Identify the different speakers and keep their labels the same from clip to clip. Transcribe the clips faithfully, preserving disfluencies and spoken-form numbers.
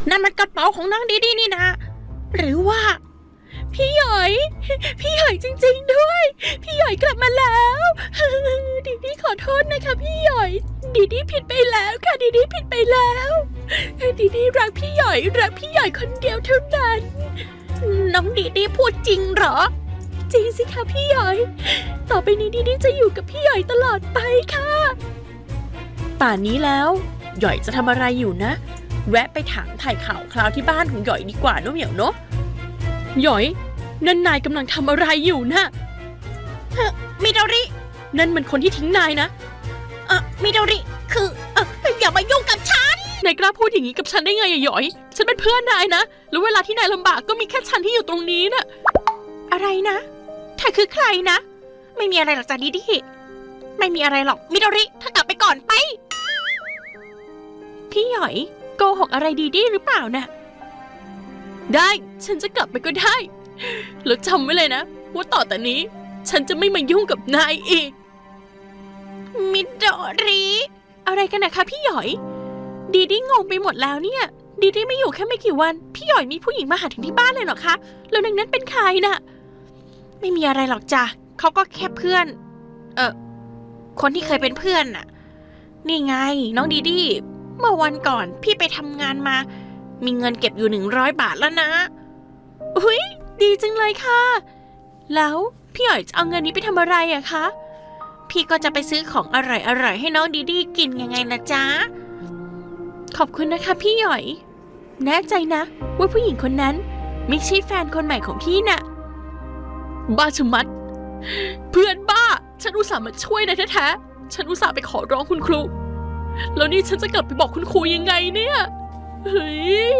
Speaker 1: นั่นมันกระเป๋าของน้องดีดีนี่นะหรือว่าพี่หยอยพี่หยอยจริงๆด้วยพี่หยอยกลับมาแล้วดีดีขอโทษนะคะพี่หยอยดีดีผิดไปแล้วค่ะดีดีผิดไปแล้วดีดีรักพี่หยอยรักพี่หยอยคนเดียวเท่านั้นน้องดีดีพูดจริงเหรอจริงสิคะพี่หยอยต่อไปนี้ดีดีจะอยู่กับพี่หยอยตลอดไปค่ะป่านนี้แล้วหยอยจะทำอะไรอยู่นะแวะไปถามถ่ายข่าวคราวที่บ้านของหยอยดีกว่าเนอะเหมียวเนอะหยอยนั่นนายกำลังทำอะไรอยู่นะมิโดรินั่นมันคนที่ทิ้งนายนะเออมิโดริคือเอออย่ามายุ่งกับฉันนายกล้าพูดอย่างนี้กับฉันได้ไงอะหยอยฉันเป็นเพื่อนนายนะแล้วเวลาที่นายลำบากก็มีแค่ฉันที่อยู่ตรงนี้นะอะไรนะเธอคือใครนะไม่มีอะไรหรอกจ้ะดิดิไม่มีอะไรหรอกมิโดริเธอกลับไปก่อนไปพี่หยอยโกหกอะไรดีดีหรือเปล่านะได้ฉันจะกลับไปก็ได้แล้วจำไว้เลยนะว่าต่อแต่นี้ฉันจะไม่มายุ่งกับนายอีกมิโดริอะไรกันนะคะพี่หยอยดีดีงงไปหมดแล้วเนี่ยดีดีไม่อยู่แค่ไม่กี่วันพี่หยอยมีผู้หญิงมาหาถึงที่บ้านเลยเหรอคะแล้วนางนั้นเป็นใครน่ะไม่มีอะไรหรอกจ้ะเขาก็แค่เพื่อนเออคนที่เคยเป็นเพื่อนน่ะนี่ไงน้องดีดีเมื่อวันก่อนพี่ไปทำงานมามีเงินเก็บอยู่หนึ่งร้อยบาทแล้วนะอุ้ยดีจังเลยค่ะแล้วพี่หยอยจะเอาเงินนี้ไปทำอะไรอะคะพี่ก็จะไปซื้อของอร่อยๆให้น้องดีดีกินยังไงล่ะจ๊ะขอบคุณนะคะพี่หยอยแน่ใจนะว่าผู้หญิงคนนั้นไม่ใช่แฟนคนใหม่ของพี่น่ะบ้าชะมัดเพื่อนบ้าฉันอุตส่าห์มาช่วยนะแท้ๆฉันอุตส่าห์ไปขอร้องคุณครูแล้วนี่ฉันจะกลับไปบอกคุณครูยังไงเนี่ยเฮ้ย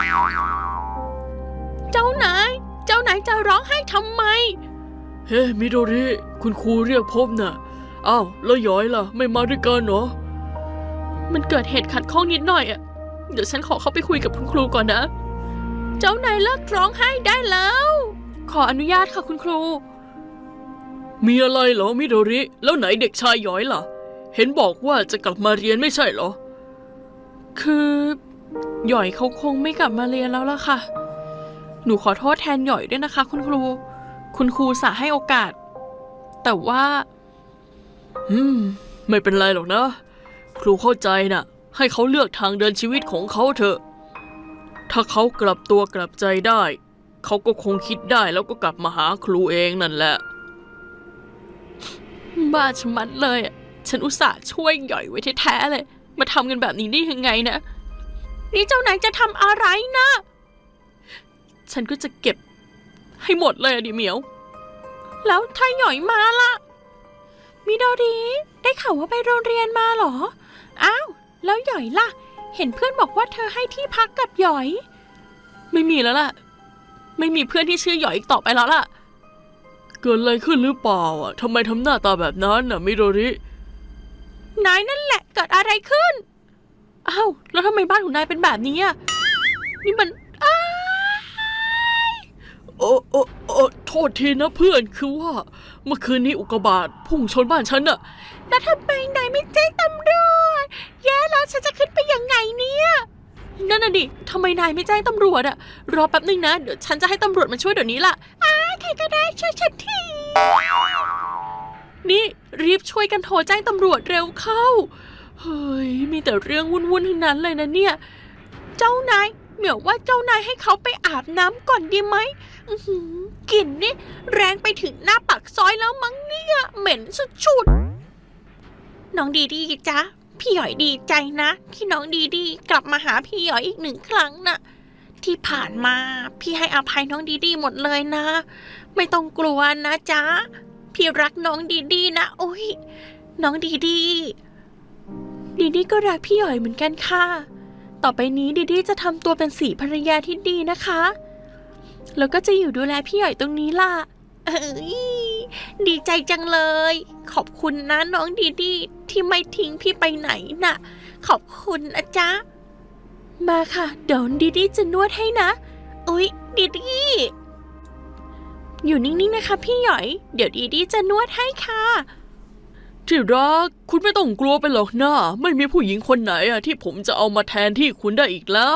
Speaker 1: เจ้านายเจ้านายจะร้องไห้ทำไม
Speaker 2: เฮ้มิโดริคุณครูเรียกพบน่ะอ้าวแล้วย้อยล่ะไม่มาด้วยกันเหรอ
Speaker 1: มันเกิดเหตุขัดข้องนิดหน่อยอ่ะเดี๋ยวฉันขอเข้าไปคุยกับคุณครูก่อนนะเจ้านายเลิกร้องไห้ได้แล้วขออนุญาตค่ะคุณครู
Speaker 2: มีอะไรเหรอมิโดริแล้วไหนเด็กชายย้อยล่ะเห็นบอกว่าจะกลับมาเรียนไม่ใช่เหรอ
Speaker 1: คือหยอยเขาคงไม่กลับมาเรียนแล้วล่ะค่ะหนูขอโทษแทนหยอยด้วยนะคะคุณครูคุณครูสาให้โอกาสแต่ว่า
Speaker 2: อืมไม่เป็นไรหรอกนะครูเข้าใจนะให้เขาเลือกทางเดินชีวิตของเขาเถอะถ้าเขากลับตัวกลับใจได้เขาก็คงคิดได้แล้วก็กลับมาหาครูเองนั่นแหละ
Speaker 1: บ้าชะมัดเลยอ่ะฉันอุตส่าห์ช่วยหยอยไว้แท้ๆเลยมาทำกันแบบนี้ได้ยังไงนะนี่เจ้านายจะทำอะไรนะฉันก็จะเก็บให้หมดเลยอะดิเหมียวแล้วถ้าหยอยมาล่ะมิโดริได้ข่าวว่าไปโรงเรียนมาเหรออ้าวแล้วหยอยล่ะเห็นเพื่อนบอกว่าเธอให้ที่พักกับหยอยไม่มีแล้วล่ะไม่มีเพื่อนที่ชื่อหยอยอีกต่อไปแล้วล่ะ
Speaker 2: เกิดอะไรขึ้นหรือเปล่าอ่ะทำไมทำหน้าตาแบบนั้นน่ะมิโดริ
Speaker 1: นายนั่นแหละเกิดอะไรขึ้นอ้าวแล้วทำไมบ้านของนายเป็นแบบนี้อ่ะนี่มันอ้า
Speaker 2: โอ้โอ้โอ้โทษทีนะเพื่อนคือว่าเมื่อคืนนี้อุกกาบาตพุ่งชนบ้านฉันน่ะ
Speaker 1: แล้วทำไมนายไม่แจ้งตำรวจแย่แล้วฉันจะขึ้นไปยังไงเนี่ยนั่นน่ะดิทำไมนายไม่แจ้งตำรวจอะรอแป๊บนึงนะเดี๋ยวฉันจะให้ตำรวจมาช่วยเดี๋ยวนี้ล่ะอ้าใครก็ได้ช่วยฉันทีนี่รีบช่วยกันโทรแจ้งตำรวจเร็วเข้าเฮ้ยมีแต่เรื่องวุ่นๆทั้งนั้นเลยนะเนี่ยเจ้านายเหมียวว่าเจ้านายให้เขาไปอาบน้ำก่อนดีไหมกลิ่นนี่แรงไปถึงหน้าปากซอยแล้วมั้งเนี่ยเหม็นสุดๆน้องดีดีจ๊ะพี่หยอยดีใจนะที่น้องดีดีกลับมาหาพี่หยอยอีกหนึ่งครั้งน่ะที่ผ่านมาพี่ให้อภัยน้องดีดีหมดเลยนะไม่ต้องกลัวนะจ๊ะพี่รักน้องดีดีนะโอ้ยน้องดีดีดีดีก็รักพี่หยอยเหมือนกันค่ะต่อไปนี้ดีดีจะทำตัวเป็นสีภรรยาที่ดีนะคะแล้วก็จะอยู่ดูแลพี่หยอยตรงนี้ล่ะเอ้ยดีใจจังเลยขอบคุณนะน้องดีดีที่ไม่ทิ้งพี่ไปไหนน่ะขอบคุณนะจ๊ะมาค่ะเดี๋ยวดีดีจะนวดให้นะอุ๊ยดีดีอยู่นิ่งๆนะคะพี่หยอยเดี๋ยวดีดีจะนวดให้ค่ะ
Speaker 2: ที่รักคุณไม่ต้องกลัวไปหรอกนะไม่มีผู้หญิงคนไหนอะที่ผมจะเอามาแทนที่คุณได้อีกแล้ว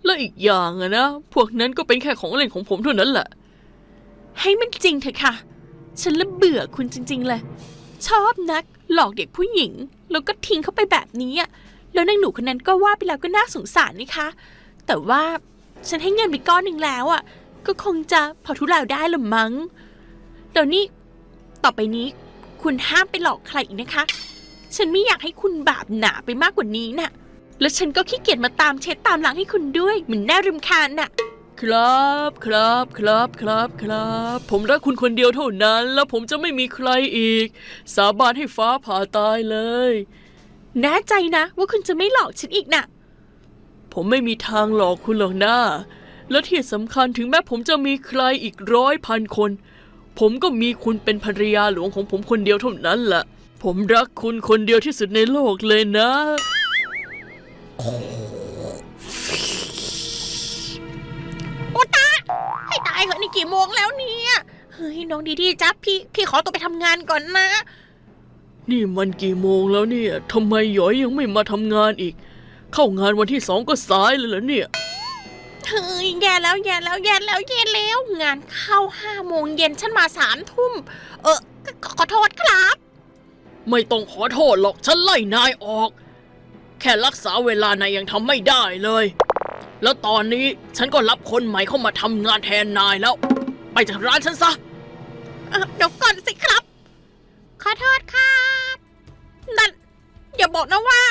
Speaker 2: แล้วอีกอย่างอะนะพวกนั้นก็เป็นแค่ของเล่นของผมเท่านั้นแหละ
Speaker 1: ให้มันจริงเถอะค่ะฉันละเบื่อคุณจริงๆเลยชอบนักหลอกเด็กผู้หญิงแล้วก็ทิ้งเขาไปแบบนี้อะแล้วนางหนูคนนั้นก็ว่าไปแล้วก็น่าสงสารนี่คะแต่ว่าฉันให้เงินไปก้อนหนึ่งแล้วอะก็คงจะพอทุเลาได้ละมั้งเดี๋ยวนี้ต่อไปนี้คุณห้ามไปหลอกใครอีกนะคะฉันไม่อยากให้คุณบาปหนาไปมากกว่านี้น่ะแล้วฉันก็ขี้เกียจมาตามเช็ดตามล้างให้คุณด้วยเหมือนน่ารำคาญน่ะ
Speaker 2: ครับครับครับครับครับผมรักคุณคนเดียวเท่านั้นแล้วผมจะไม่มีใครอีกสาบานให้ฟ้าผ่าตายเลย
Speaker 1: แน่ใจนะว่าคุณจะไม่หลอกฉันอีกน่ะ
Speaker 2: ผมไม่มีทางหลอกคุณหรอกนะและที่สำคัญถึงแม้ผมจะมีใครอีกร้อยพันคนผมก็มีคุณเป็นภรรยาหลวงของผมคนเดียวเท่านั้นแหละผมรักคุณคนเดียวที่สุดในโลกเลยนะ
Speaker 1: โอตาให้ตายเหอะนี่กี่โมงแล้วเนี่ยเฮ้ยน้องดีดีจ๊ะพี่พี่ขอตัวไปทำงานก่อนนะ
Speaker 2: นี่มันกี่โมงแล้วเนี่ยทำไมหยอยยังไม่มาทำงานอีกเข้างานวันที่สองก็สายเลยเหรอเนี่ย
Speaker 1: เฮ้ยแย่แล้วแย่แล้วแย่แล้วแย่แล้วงานเข้าห้าโมงเย็นฉันมาสามทุ่มเออขอโทษครับ
Speaker 2: ไม่ต้องขอโทษหรอกฉันไล่นายออกแค่รักษาเวลานายยังทำไม่ได้เลยแล้วตอนนี้ฉันก็รับคนใหม่เข้ามาทำงานแทนนายแล้วไปจากร้านฉันซะ
Speaker 1: เดี๋ยวก่อนสิครับขอโทษครับนั่นอย่าบอกนะว่า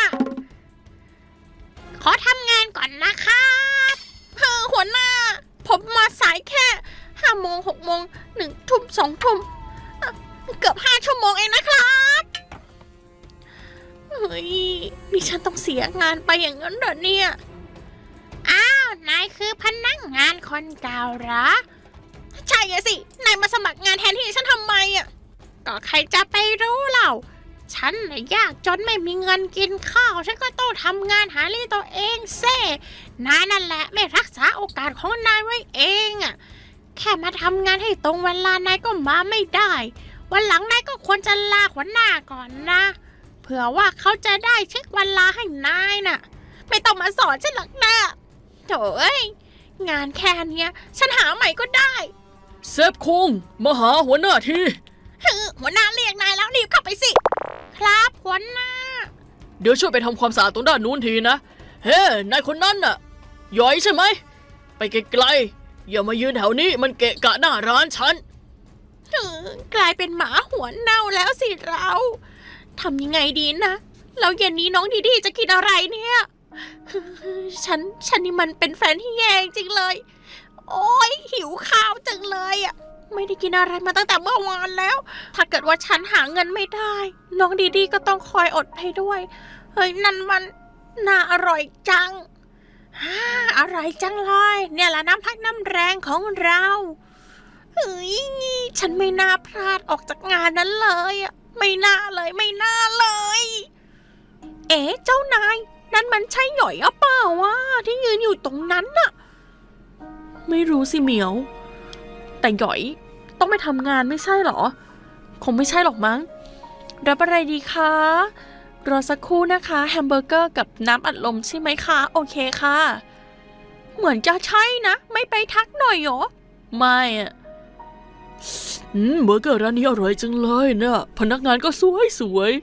Speaker 1: ขอทำงานก่อนนะครับเฮ้อหัวหน้าผมมาสายแค่ห้าโมงหกโมงหนึ่งทุ่มสองทุ่มเกือบห้าชั่วโมงเองนะครับเฮ้ยนี่ฉันต้องเสียงานไปอย่างนั้นเหรอเนี่ยอ้าวนายคือพนักงานคนเก่าเหรอใช่ไงสินายมาสมัครงานแทนที่ฉันทำไมอ่ะก็ใครจะไปรู้เล่าฉันน่ะยากจนไม่มีเงินกินข้าวฉันก็ต้องทำงานหาเลี้ยงตัวเองเซ่นายนั่นแหละไม่รักษาโอกาสของนายไว้เองอ่ะแค่มาทำงานให้ตรงเวลานายก็มาไม่ได้วันหลังนายก็ควรจะลาหัวหน้าก่อนนะเผื่อว่าเขาจะได้เช็ควันลาให้นายน่ะไม่ต้องมาสอนฉันหรอกนะโถ่เอ้ยงานแค่เนี้ยฉันหาใหม่ก็ได้
Speaker 2: เซฟคุงมาหาหัวหน้าที
Speaker 1: หัวหน้าเรียกนายแล้วรีบเข้าไปสิครับหัวหน้า
Speaker 2: เดี๋ยวช่วยไปทำความสะอาดตรงด้านนู้นทีนะเฮ้นายคนนั้นน่ะหยอยใช่ไหมไปไกลๆอย่ามายืนแถวนี้มันเกะกะหน้าร้านฉัน
Speaker 1: กลายเป็นหมาหัวเน่าแล้วสิเราทำยังไงดีนะแล้วเย็นนี้น้องดีดีจะกินอะไรเนี่ยฉันฉันนี่มันเป็นแฟนที่แย่จริงเลยโอ๊ยหิวข้าวจังเลยอ่ะไม่ได้กินอะไรมาตั้งแต่เมื่อวานแล้วถ้าเกิดว่าฉันหาเงินไม่ได้น้องดีดีก็ต้องคอยอดไปด้วยเฮ้ยนั่นมันน่าอร่อยจังฮ่าอร่อยจังเลยเนี่ยแหละน้ำพักน้ำแรงของเราเฮ้ยฉันไม่น่าพลาดออกจากงานนั้นเลยอ่ะไม่น่าเลยไม่น่าเลยเอ๊ะเจ้านายนั่นมันใช่หย่อยอะเปล่าวะที่ยืนอยู่ตรงนั้นน่ะไม่รู้สิเหมียวแต่หย่อยต้องไปทำงานไม่ใช่หรอคงไม่ใช่หรอกมั้งรับอะไรดีคะรอสักครู่นะคะแฮมเบอร์เกอร์กับน้ำอัดลมใช่ไหมคะโอเคค่ะเหมือนจะใช่นะไม่ไปทักหน่อยหรอไม่อะ
Speaker 2: อืมเบอร์เกอร์ร้านนี้อร่อยจังเลยนะพนักงานก็สวยสวย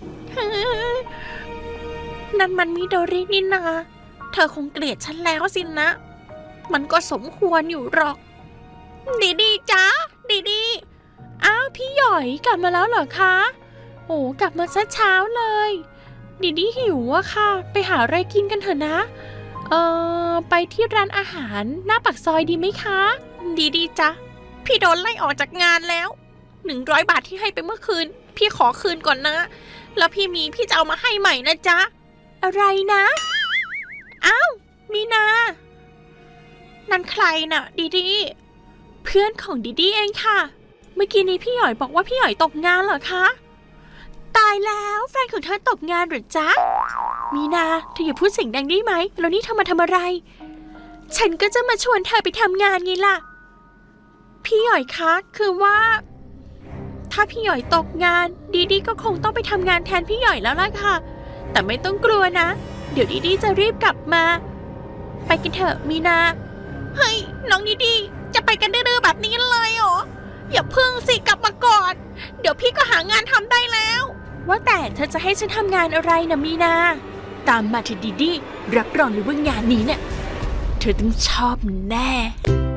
Speaker 1: นั่นมันมิโดรินี่นาเธอคงเกลียดฉันแล้วสินะมันก็สมควรอยู่หรอกดีดีจ้าดีดีอ้าวพี่หยอยกลับมาแล้วเหรอคะโอ้กลับมาซะเช้าเลยดีดีหิวอะค่ะไปหาอะไรกินกันเถอะนะเอ่อไปที่ร้านอาหารหน้าปากซอยดีไหมคะดีดีจ้ะพี่โดนไล่ออกจากงานแล้วหนึ่งร้อยบาทที่ให้ไปเมื่อคืนพี่ขอคืนก่อนนะแล้วพี่มีพี่จะเอามาให้ใหม่นะจ๊ะอะไรนะอ้าวมีนานั่นใครน่ะดีดีเพื่อนของดีดีเองค่ะเมื่อกี้นี้พี่หยอยบอกว่าพี่หยอยตกงานเหรอคะตายแล้วแฟนของเธอตกงานหรือจ๊ะมีนาเธออย่าพูดเสียงดังได้ไหมแล้วนี่เธอมาทำอะไรฉันก็จะมาชวนเธอไปทำงานไงล่ะพี่หยอยคะคือว่าถ้าพี่หยอยตกงานดีดีก็คงต้องไปทำงานแทนพี่หยอยแล้วล่ะค่ะแต่ไม่ต้องกลัวนะเดี๋ยวดีดีจะรีบกลับมาไปกันเถอะมีนาเฮ้ยน้องดีดีจะไปกันดื้อๆแบบนี้เลยเหรออย่าพึ่งสิกลับมาก่อนเดี๋ยวพี่ก็หางานทำได้แล้วว่าแต่เธอจะให้ฉันทำงานอะไรนะมีนาตามมาเถอะดีดีรับรองเลยว่างานนี้เนี่ยเธอต้องชอบแน่